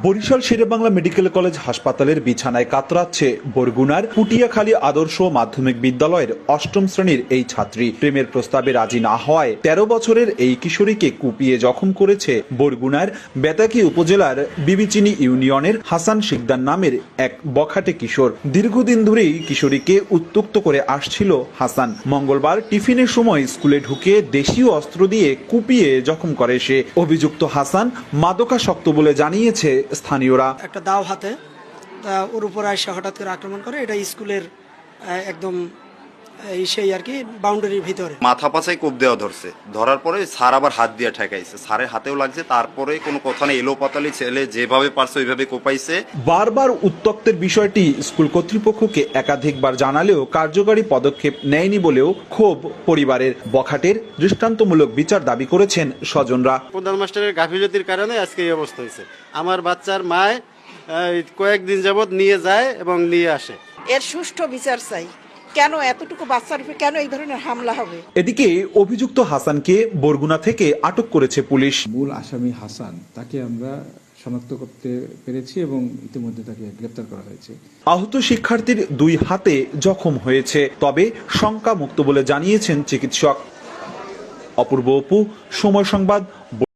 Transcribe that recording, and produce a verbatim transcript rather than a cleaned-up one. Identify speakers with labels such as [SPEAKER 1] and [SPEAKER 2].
[SPEAKER 1] Barishal Sherebangla medical college হাসপাতালের বিছানায় কাতরাচ্ছে বরগুনার পুটিয়াখালী আদর্শ মাধ্যমিক বিদ্যালয়ের অষ্টম শ্রেণীর এই ছাত্রী। প্রেমের প্রস্তাবে রাজি না হওয়ায় তেরো বছরের এই কিশোরীকে কুপিয়ে জখম করেছে বরগুনার বেতাকি উপজেলার বিবিচিনি ইউনিয়নের হাসান শিকদার নামের এক বখাটে কিশোর। দীর্ঘদিন ধরেই কিশোরীকে উত্ত্যক্ত করে আসছিল হাসান। মঙ্গলবার টিফিনের সময় স্কুলে ঢুকে দেশীয় অস্ত্র দিয়ে কুপিয়ে জখম করে সে। অভিযুক্ত হাসান মাদকাসক্ত বলে জানিয়েছে স্থানীয়রা।
[SPEAKER 2] একটা দাও হাতে ওর উপর এসে হঠাৎ করে আক্রমণ করে। এটা স্কুলের একদম সেই আর কি বাউন্ডারির ভিতরে
[SPEAKER 3] মাথা পাছায় কোপ দেওয়া ধরছে। ধরার পরে স্যার আবার হাত দিয়ে ঠেকাইছে, স্যারের হাতেও লাগছে। তারপরে কোনো কথা নেই, এলো পাতালি ছেলে যেভাবে পারছে ওইভাবে কোপাইছে।
[SPEAKER 1] বারবার উত্ত্যক্তের বিষয়টি স্কুল কর্তৃপক্ষকে একাধিকবার জানালেও কার্যকরী পদক্ষেপ নেয়নি বলেও ক্ষোভ পরিবারের। বখাটের দৃষ্টান্তমূলক বিচার দাবি করেছেন স্বজনরা।
[SPEAKER 4] প্রধান মাস্টারের গাফিলতির কারণে আজকে এই অবস্থা হয়েছে। আমার বাচ্চার মায় কয়েকদিন যাবৎ নিয়ে যায় এবং নিয়ে আসে।
[SPEAKER 5] এর সুষ্ঠু বিচার চাই। কেন এতটুকু বাচ্চার উপর কেন এই ধরনের হামলা হবে?
[SPEAKER 1] এদিকে অভিযুক্ত হাসানকে বরগুনা থেকে আটক করেছে পুলিশ।
[SPEAKER 6] মূল আসামি হাসান, তাকে আমরা শনাক্ত করতে পেরেছি এবং ইতিমধ্যে তাকে গ্রেপ্তার করা হয়েছে।
[SPEAKER 1] আহত শিক্ষার্থীর দুই হাতে জখম হয়েছে, তবে শঙ্কা মুক্ত বলে জানিয়েছেন চিকিৎসক। অপূর্ব অপু, সময় সংবাদ।